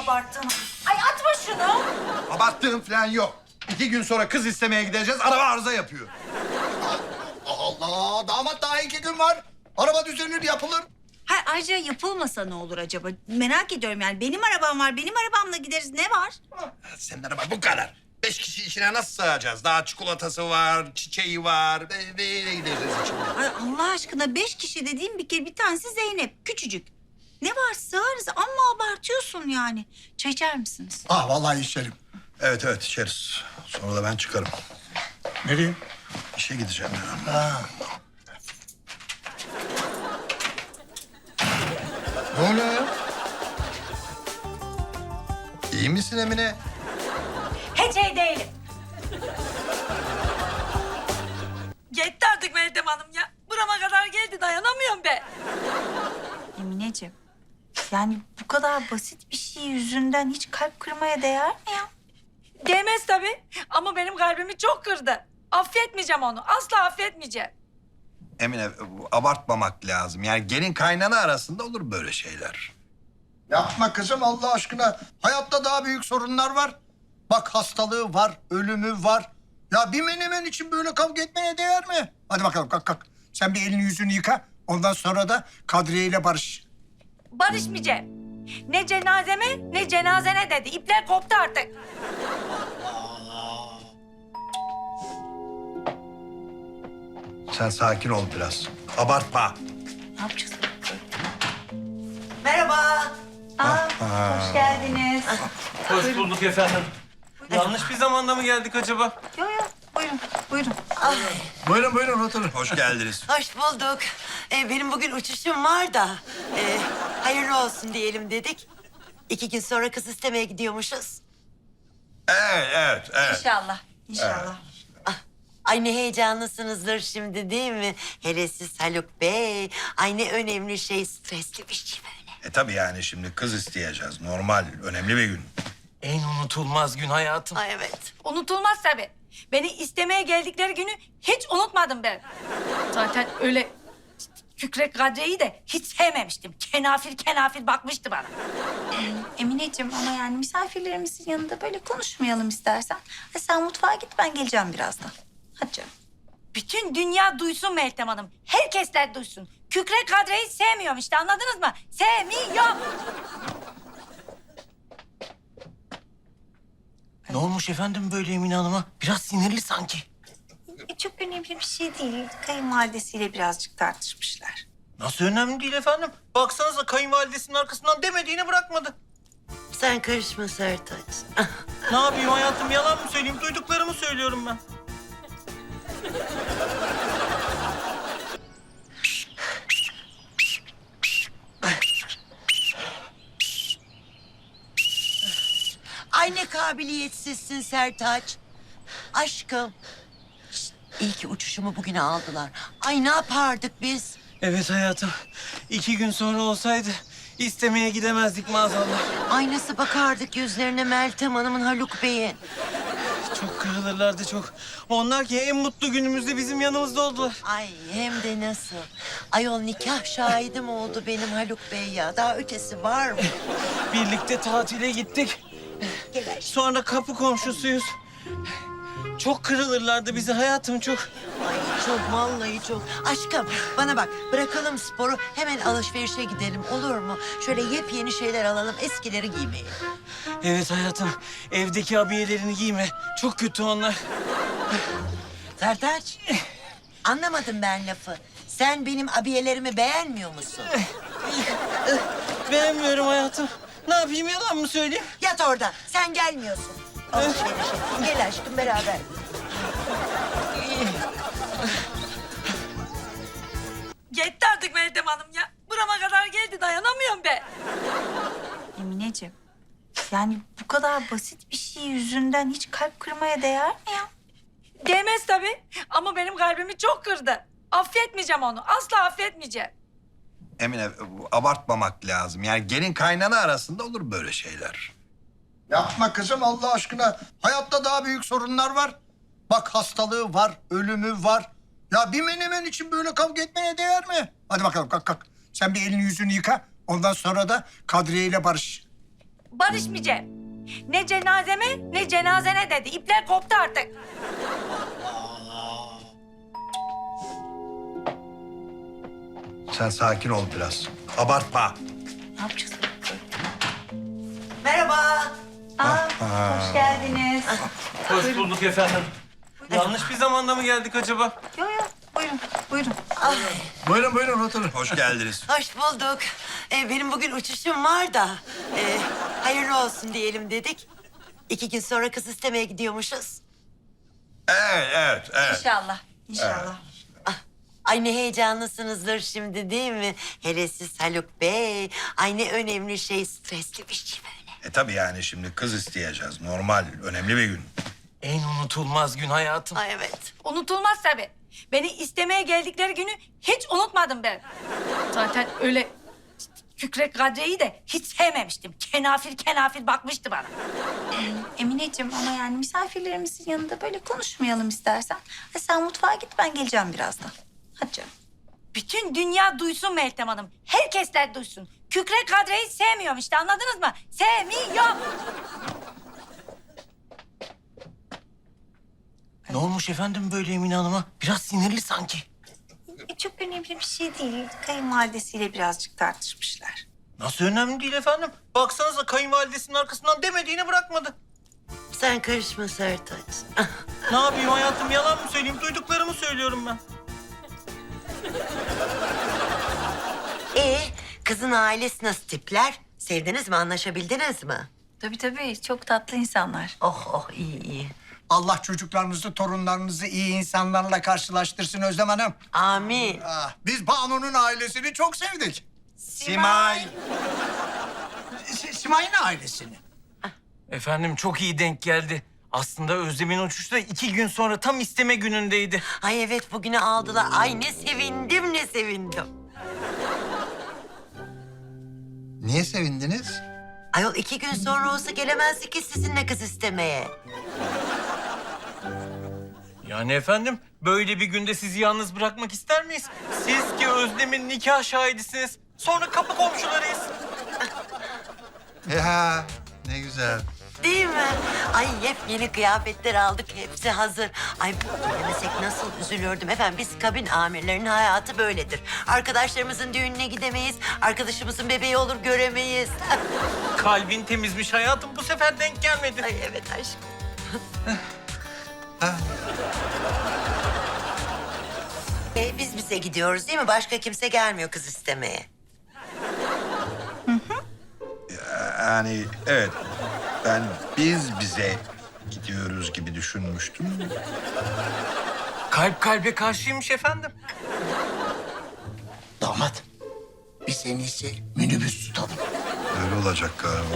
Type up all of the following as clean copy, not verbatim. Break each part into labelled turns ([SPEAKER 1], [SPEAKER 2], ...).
[SPEAKER 1] abarttın. Ay atma şunu.
[SPEAKER 2] Abarttığım falan yok. 2 gün sonra kız istemeye gideceğiz. Araba arıza yapıyor. Allah! Damat daha 2 gün var. Araba düzenir, yapılır.
[SPEAKER 1] Hayır, ayrıca yapılmasa ne olur acaba? Merak ediyorum yani. Benim arabam var. Benim arabamla gideriz. Ne var?
[SPEAKER 2] Senin araba bu kadar. 5 kişi içine nasıl sığacağız? Daha çikolatası var, çiçeği var. Neyle gideceğiz içinde?
[SPEAKER 1] Ay Allah aşkına 5 kişi dediğim bir tanesi Zeynep. Küçücük. Ne var sığarız ama abartıyorsun yani. Çay içer misiniz?
[SPEAKER 2] Vallahi içerim. Evet içeriz. Sonra da ben çıkarım.
[SPEAKER 3] Nereye?
[SPEAKER 2] İşe gideceğim ya. Ne oluyor ya? İyi misin Emine?
[SPEAKER 1] Hiç iyi değilim.
[SPEAKER 4] Yetti artık Meltem Hanım ya. Burama kadar geldi, dayanamıyorum be.
[SPEAKER 1] Emineciğim, yani bu kadar basit bir şey yüzünden hiç kalp kırmaya değer mi ya?
[SPEAKER 4] Değmez tabii ama benim kalbimi çok kırdı. Affetmeyeceğim onu, asla affetmeyeceğim.
[SPEAKER 2] Emine abartmamak lazım. Yani gelin kaynana arasında olur böyle şeyler. Yapma kızım Allah aşkına. Hayatta daha büyük sorunlar var. Bak hastalığı var, ölümü var. Ya bir menemen için böyle kavga etmeye değer mi? Hadi bakalım kalk. Sen bir elini yüzünü yıka. Ondan sonra da Kadriye ile barış.
[SPEAKER 4] Barışmayacağım. Ne cenazeme ne cenazene dedi. İpler koptu artık.
[SPEAKER 2] Sen sakin ol biraz. Abartma.
[SPEAKER 1] Ne yapacağız?
[SPEAKER 5] Merhaba.
[SPEAKER 1] Hoş geldiniz.
[SPEAKER 6] Hoş bulduk efendim. Yanlış bir zamanda mı geldik acaba?
[SPEAKER 1] Yok, buyurun.
[SPEAKER 2] Buyurun oturun. Hoş geldiniz.
[SPEAKER 5] Hoş bulduk. Benim bugün uçuşum var da hayırlı olsun diyelim dedik. 2 gün sonra kız istemeye gidiyormuşuz.
[SPEAKER 2] Evet.
[SPEAKER 1] İnşallah.
[SPEAKER 5] Ay ne heyecanlısınızdır şimdi değil mi? Hele siz Haluk Bey. Ay ne önemli şey, stresli bir şey böyle.
[SPEAKER 2] Tabii yani şimdi kız isteyeceğiz. Normal, önemli bir gün.
[SPEAKER 6] En unutulmaz gün hayatım.
[SPEAKER 5] Ay evet.
[SPEAKER 4] Unutulmaz tabii. Beni istemeye geldikleri günü hiç unutmadım ben. Zaten öyle Kükrek Kadriye'yi de hiç sevmemiştim. Kenafir bakmıştı bana.
[SPEAKER 1] Emineciğim ama yani misafirlerimizin yanında böyle konuşmayalım istersen. Ha, sen mutfağa git, ben geleceğim birazdan. Hadi canım.
[SPEAKER 4] Bütün dünya duysun Meltem Hanım. Herkesler duysun. Kükrek Kadriye'yi sevmiyorum işte, anladınız mı? Sevmiyorum.
[SPEAKER 6] Ne olmuş efendim böyle Emine Hanım'a? Biraz sinirli sanki.
[SPEAKER 1] Çok önemli bir şey değil. Kayınvalidesiyle birazcık tartışmışlar.
[SPEAKER 6] Nasıl önemli değil efendim? Baksanıza kayınvalidesinin arkasından demediğini bırakmadı.
[SPEAKER 5] Sen karışma Sertaç.
[SPEAKER 6] Ne yapayım hayatım, yalan mı söyleyeyim? Duyduklarımı söylüyorum ben.
[SPEAKER 5] Ay ne kabiliyetsizsin Sertaç. Aşkım. Şişt, iyi ki uçuşumu bugüne aldılar. Ay ne yapardık biz?
[SPEAKER 6] Evet hayatım. 2 gün sonra olsaydı istemeye gidemezdik maazallah.
[SPEAKER 5] Ay nasıl bakardık yüzlerine Meltem Hanım'ın, Haluk Bey'in.
[SPEAKER 6] Çok kırılırlardı çok. Onlar ki en mutlu günümüzde bizim yanımızda oldular.
[SPEAKER 5] Ay hem de nasıl? Ayol nikah şahidim oldu benim Haluk Bey ya. Daha ötesi var mı?
[SPEAKER 6] Birlikte tatile gittik. Sonra kapı komşusuyuz. Çok kırılırlardı bizi hayatım, çok.
[SPEAKER 5] Ay çok vallahi çok. Aşkım bana bak, bırakalım sporu, hemen alışverişe gidelim olur mu? Şöyle yepyeni şeyler alalım, eskileri giymeyelim.
[SPEAKER 6] Evet hayatım, evdeki abiyelerini giyme. Çok kötü onlar.
[SPEAKER 5] Sertaç, anlamadım ben lafı. Sen benim abiyelerimi beğenmiyor musun?
[SPEAKER 6] Beğenmiyorum hayatım. Ne yapayım, yalan mı söyleyeyim?
[SPEAKER 5] Yat orada, sen gelmiyorsun. Alışverişe. Gel aşkım beraber.
[SPEAKER 4] Yetti artık Meltem Hanım ya. Burama kadar geldi, dayanamıyorum be.
[SPEAKER 1] Emineciğim, yani bu kadar basit bir şey yüzünden hiç kalp kırmaya değer mi ya?
[SPEAKER 4] Değmez tabii ama benim kalbimi çok kırdı. Affetmeyeceğim onu, asla affetmeyeceğim.
[SPEAKER 2] Emine abartmamak lazım. Yani gelin kaynana arasında olur böyle şeyler. Yapma kızım Allah aşkına. Hayatta daha büyük sorunlar var. Bak hastalığı var, ölümü var. Ya bir menemen için böyle kavga etmeye değer mi? Hadi bakalım kalk. Sen bir elini yüzünü yıka. Ondan sonra da Kadriye ile barış.
[SPEAKER 4] barışmayacağım. Ne cenazeme ne cenazene dedi. İpler koptu artık.
[SPEAKER 2] Sen sakin ol biraz. Abartma.
[SPEAKER 1] Ne yapacağız?
[SPEAKER 5] Merhaba.
[SPEAKER 1] Hoş geldiniz.
[SPEAKER 6] Hoş bulduk efendim. Yanlış bir zamanda mı geldik acaba?
[SPEAKER 1] Yok yok, buyurun, buyurun.
[SPEAKER 2] Buyurun buyurun oturun. Hoş geldiniz.
[SPEAKER 5] Hoş bulduk. Benim bugün uçuşum var da hayırlı olsun diyelim dedik. 2 gün sonra kız istemeye gidiyormuşuz.
[SPEAKER 2] Evet.
[SPEAKER 1] İnşallah, inşallah.
[SPEAKER 5] Ay ne heyecanlısınızdır şimdi değil mi? Hele siz Haluk Bey. Ay ne önemli şey, stresli bir şey böyle.
[SPEAKER 2] Tabii yani şimdi kız isteyeceğiz. Normal, önemli bir gün.
[SPEAKER 6] En unutulmaz gün hayatım.
[SPEAKER 5] Ay evet.
[SPEAKER 4] Unutulmaz tabii. Beni istemeye geldikleri günü hiç unutmadım ben. Zaten öyle Kükrek Kadriye'yi de hiç sevmemiştim. Kenafir bakmıştı bana.
[SPEAKER 1] Emineciğim ama yani misafirlerimizin yanında böyle konuşmayalım istersen. Ha, sen mutfağa git, ben geleceğim birazdan. Hadi canım.
[SPEAKER 4] Bütün dünya duysun Meltem Hanım. Herkesler duysun. Kükrek Kadriye'yi sevmiyorum işte, anladınız mı? Sevmiyorum.
[SPEAKER 6] Ne olmuş efendim böyle Emine Hanım'a? Biraz sinirli sanki.
[SPEAKER 1] Çok önemli bir şey değil. Kayınvalidesiyle birazcık tartışmışlar.
[SPEAKER 6] Nasıl önemli değil efendim? Baksanıza kayınvalidesinin arkasından demediğini bırakmadı.
[SPEAKER 5] Sen karışma Sertaç.
[SPEAKER 6] Ne yapayım hayatım, yalan mı söyleyeyim? Duyduklarımı söylüyorum ben.
[SPEAKER 5] Kızın ailesi nasıl tipler? Sevdiniz mi, anlaşabildiniz mi?
[SPEAKER 1] Tabii çok tatlı insanlar.
[SPEAKER 5] Oh iyi.
[SPEAKER 2] Allah çocuklarınızı, torunlarınızı iyi insanlarla karşılaştırsın Özlem Hanım.
[SPEAKER 5] Amin.
[SPEAKER 2] Biz Banu'nun ailesini çok sevdik. Simay. Simay'ın ailesini.
[SPEAKER 6] Efendim çok iyi denk geldi. Aslında Özlem'in uçuşu da 2 gün sonra tam isteme günündeydi.
[SPEAKER 5] Ay evet, bugünü aldılar. Ay ne sevindim.
[SPEAKER 2] Niye sevindiniz?
[SPEAKER 5] Ayol 2 gün sonra olsa gelemezdi ki sizinle kız istemeye.
[SPEAKER 6] Yani efendim böyle bir günde sizi yalnız bırakmak ister miyiz? Siz ki Özlem'in nikah şahidisiniz. Sonra kapı komşularıyız.
[SPEAKER 2] Ya ne güzel.
[SPEAKER 5] Değil mi? Ay yepyeni kıyafetler aldık, hepsi hazır. Ay gelemesek nasıl üzülürdüm. Efendim biz kabin amirlerinin hayatı böyledir. Arkadaşlarımızın düğününe gidemeyiz. Arkadaşımızın bebeği olur göremeyiz.
[SPEAKER 6] Kalbin temizmiş hayatım, bu sefer denk gelmedi.
[SPEAKER 5] Ay evet aşkım. Biz bize gidiyoruz değil mi? Başka kimse gelmiyor kız istemeye.
[SPEAKER 2] Yani evet, ben biz bize gidiyoruz gibi düşünmüştüm.
[SPEAKER 6] Kalp kalbe karşıymış efendim.
[SPEAKER 3] Damat, biz en iyisi minibüs tutalım.
[SPEAKER 2] Öyle olacak galiba.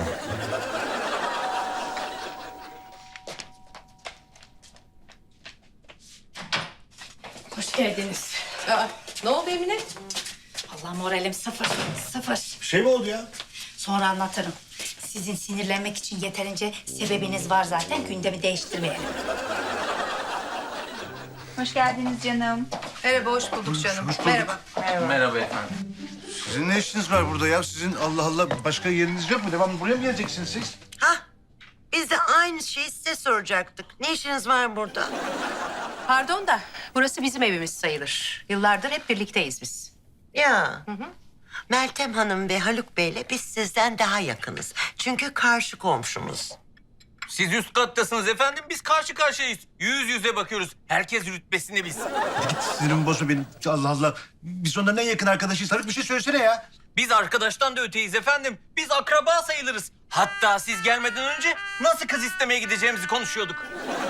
[SPEAKER 4] Hoş geldiniz.
[SPEAKER 7] Ne oldu Emine?
[SPEAKER 4] Allah moralim sıfır.
[SPEAKER 3] Bir şey mi oldu ya?
[SPEAKER 4] Sonra anlatırım. Sizin sinirlenmek için yeterince sebebiniz var zaten. Gündemi değiştirmeyelim.
[SPEAKER 1] Hoş geldiniz canım.
[SPEAKER 7] Merhaba, hoş bulduk canım. Merhaba.
[SPEAKER 6] Merhaba efendim.
[SPEAKER 3] Sizin ne işiniz var burada ya? Sizin Allah Allah başka yeriniz yok mu? Devamlı buraya mı geleceksiniz siz?
[SPEAKER 5] Hah, biz de aynı şeyi size soracaktık. Ne işiniz var burada?
[SPEAKER 7] Pardon da burası bizim evimiz sayılır. Yıllardır hep birlikteyiz biz.
[SPEAKER 5] Ya. Meltem Hanım ve Haluk Bey'le biz sizden daha yakınız. Çünkü karşı komşumuz.
[SPEAKER 6] Siz üst kattasınız efendim, biz karşı karşıyayız. Yüz yüze bakıyoruz. Herkes rütbesini bilsin.
[SPEAKER 3] Git sinirimi bozma benim. Allah Allah. Biz onların en yakın arkadaşıyız. Haluk bir şey söylesene ya.
[SPEAKER 6] Biz arkadaştan da öteyiz efendim. Biz akraba sayılırız. Hatta siz gelmeden önce nasıl kız istemeye gideceğimizi konuşuyorduk.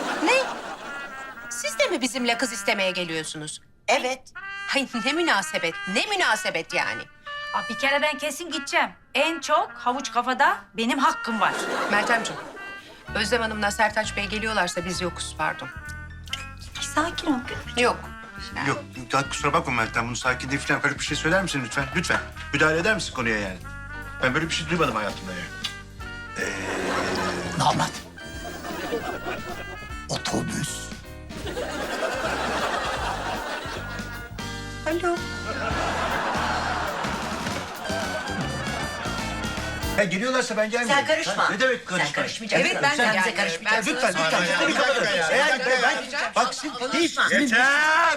[SPEAKER 7] Siz de mi bizimle kız istemeye geliyorsunuz?
[SPEAKER 5] Evet.
[SPEAKER 7] Hay ne münasebet yani.
[SPEAKER 4] Aa, bir kere ben kesin gideceğim. En çok havuç kafada benim hakkım var.
[SPEAKER 7] Meltemciğim, Özlem Hanım'la Sertaç Bey geliyorlarsa biz yokuz, pardon.
[SPEAKER 1] Sakin ol.
[SPEAKER 7] Yok.
[SPEAKER 3] Yok ya kusura bakma Meltem. Bunu sakin değil falan. Haluk bir şey söyler misin lütfen? Lütfen. Müdahale eder misin konuya yani? Ben böyle bir şey duymadım hayatımda yani.
[SPEAKER 8] Damat. Otobüs.
[SPEAKER 1] Alo.
[SPEAKER 3] Ya geliyorlarsa ben gelmeyeyim.
[SPEAKER 5] Sen karışma.
[SPEAKER 3] Ha, ne demek karışma?
[SPEAKER 5] Sen karışmayacaksın.
[SPEAKER 7] Evet, ben de
[SPEAKER 5] Sen bize
[SPEAKER 7] gelmiyorum.
[SPEAKER 5] karışmayacaksın.
[SPEAKER 3] Lütfen, lütfen. Bir kapatın. Bak siz...
[SPEAKER 2] Yeter!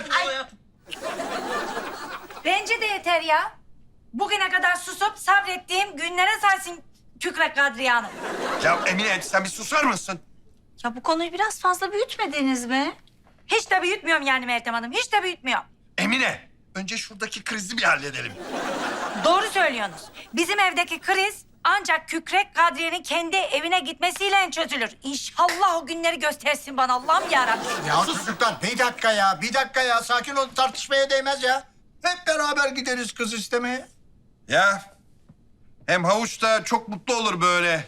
[SPEAKER 4] Bence de yeter ya. Bugüne kadar susup sabrettiğim günlere saysın Kükrek Kadriye Hanım.
[SPEAKER 2] Ya Emine sen bir susar mısın?
[SPEAKER 1] Ya bu konuyu biraz fazla büyütmediniz mi?
[SPEAKER 4] Hiç de büyütmüyorum yani Meltem Hanım. Hiç de büyütmüyorum.
[SPEAKER 2] Emine önce şuradaki krizi bir halledelim.
[SPEAKER 4] Doğru söylüyorsunuz. Bizim evdeki kriz ancak Kükrek Kadriye'nin kendi evine gitmesiyle çözülür. İnşallah o günleri göstersin bana Allah'ım yarabbim.
[SPEAKER 8] Ya çocuklar bir dakika ya sakin olun tartışmaya değmez ya. Hep beraber gideriz kız istemeye.
[SPEAKER 2] Ya hem Havuç da çok mutlu olur böyle.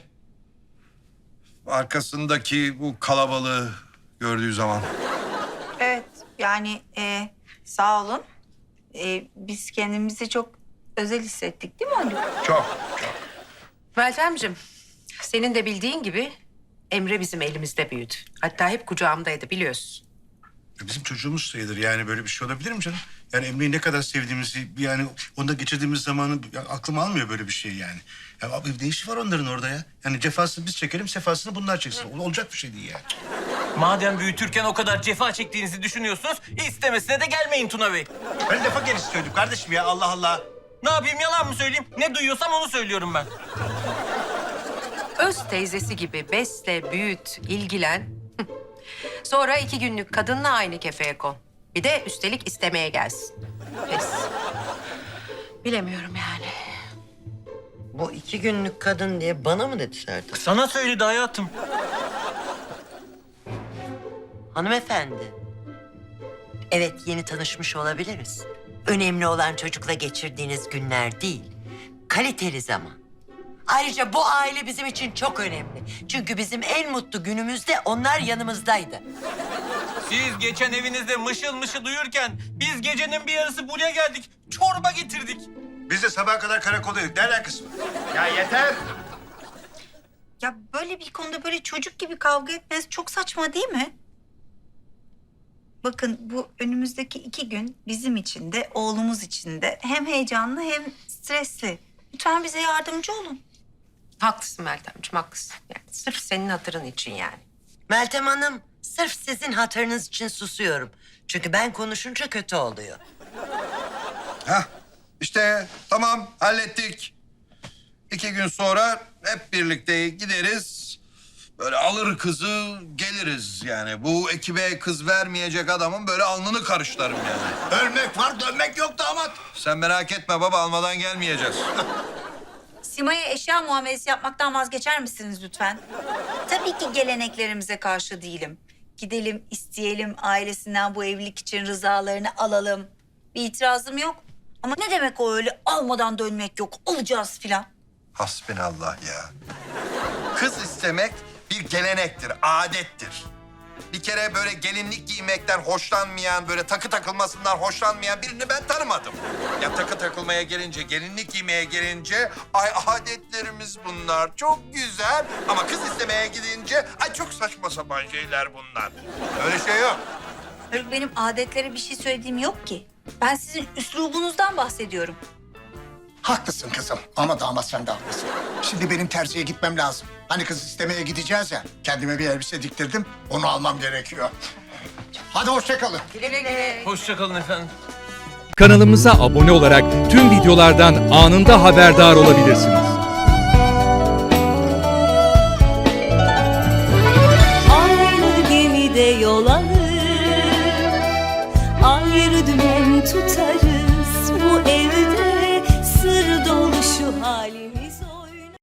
[SPEAKER 2] Arkasındaki bu kalabalığı gördüğü zaman.
[SPEAKER 1] Evet yani sağ olun. Biz kendimizi çok özel hissettik değil mi Haluk?
[SPEAKER 2] Çok.
[SPEAKER 7] Meltemciğim, senin de bildiğin gibi Emre bizim elimizde büyüdü. Hatta hep kucağımdaydı biliyorsun.
[SPEAKER 3] Bizim çocuğumuz sayılır yani böyle bir şey olabilir mi canım? Yani Emre'yi ne kadar sevdiğimizi yani onda geçirdiğimiz zamanı ya, aklım almıyor böyle bir şey yani. Ya abi ne işi var onların orada ya? Yani cefasını biz çekelim, sefasını bunlar çeksin. Olacak bir şey değil yani.
[SPEAKER 6] Madem büyütürken o kadar cefa çektiğinizi düşünüyorsunuz, istemesine de gelmeyin Tuna Bey.
[SPEAKER 3] Ben lafa gerisi söyledim kardeşim ya Allah Allah.
[SPEAKER 6] Ne yapayım, yalan mı söyleyeyim? Ne duyuyorsam onu söylüyorum ben.
[SPEAKER 7] Öz teyzesi gibi besle, büyüt, ilgilen. Sonra 2 günlük kadınla aynı kefeye kon. Bir de üstelik istemeye gelsin. Pes. Bilemiyorum yani.
[SPEAKER 5] Bu 2 günlük kadın diye bana mı dedi Serdar?
[SPEAKER 6] Sana söyledi hayatım.
[SPEAKER 5] Hanımefendi. Evet yeni tanışmış olabiliriz. Önemli olan çocukla geçirdiğiniz günler değil. Kaliteli zaman. Ayrıca bu aile bizim için çok önemli. Çünkü bizim en mutlu günümüzde onlar yanımızdaydı.
[SPEAKER 6] Siz geçen evinizde mışıl mışıl uyurken biz gecenin bir yarısı buraya geldik. Çorba getirdik.
[SPEAKER 3] Biz de sabaha kadar karakoldaydık. Ne alakası var?
[SPEAKER 2] Ya yeter.
[SPEAKER 1] Ya böyle bir konuda böyle çocuk gibi kavga etmeniz çok saçma değil mi? Bakın bu önümüzdeki 2 gün bizim için de oğlumuz için de hem heyecanlı hem stresli. Lütfen bize yardımcı olun.
[SPEAKER 7] Haklısın Meltemciğim, haklısın. Yani sırf senin hatırın için yani.
[SPEAKER 5] Meltem Hanım, sırf sizin hatırınız için susuyorum. Çünkü ben konuşunca kötü oluyor.
[SPEAKER 2] Hah işte tamam hallettik. 2 gün sonra hep birlikte gideriz. Böyle alır kızı geliriz yani. Bu ekibe kız vermeyecek adamın böyle alnını karışlarım yani.
[SPEAKER 8] Ölmek var dönmek yok damat.
[SPEAKER 2] Sen merak etme baba almadan gelmeyeceğiz.
[SPEAKER 1] Sima'ya eşya muamelesi yapmaktan vazgeçer misiniz lütfen? Tabii ki geleneklerimize karşı değilim. Gidelim, isteyelim, ailesinden bu evlilik için rızalarını alalım. Bir itirazım yok. Ama ne demek o öyle almadan dönmek yok, alacağız filan.
[SPEAKER 2] Hasbinallah ya. Kız istemek bir gelenektir, adettir. Bir kere böyle gelinlik giymekten hoşlanmayan, böyle takı takılmasından hoşlanmayan birini ben tanımadım. Ya takı takılmaya gelince, gelinlik giymeye gelince, ay adetlerimiz bunlar, çok güzel. Ama kız istemeye gidince, ay çok saçma sapan şeyler bunlar. Öyle şey yok.
[SPEAKER 1] Haluk benim adetlere bir şey söylediğim yok ki. Ben sizin üslubunuzdan bahsediyorum.
[SPEAKER 8] Haklısın kızım ama damat sen de haklısın. Şimdi benim terziye gitmem lazım. Hani kız istemeye gideceğiz ya. Kendime bir elbise diktirdim. Onu almam gerekiyor. Hadi hoşça kalın.
[SPEAKER 6] Hoşça kalın efendim.
[SPEAKER 9] Kanalımıza abone olarak tüm videolardan anında haberdar olabilirsiniz.
[SPEAKER 10] Aynı gemide yol alır, ayrı dümen tutarız bu evde.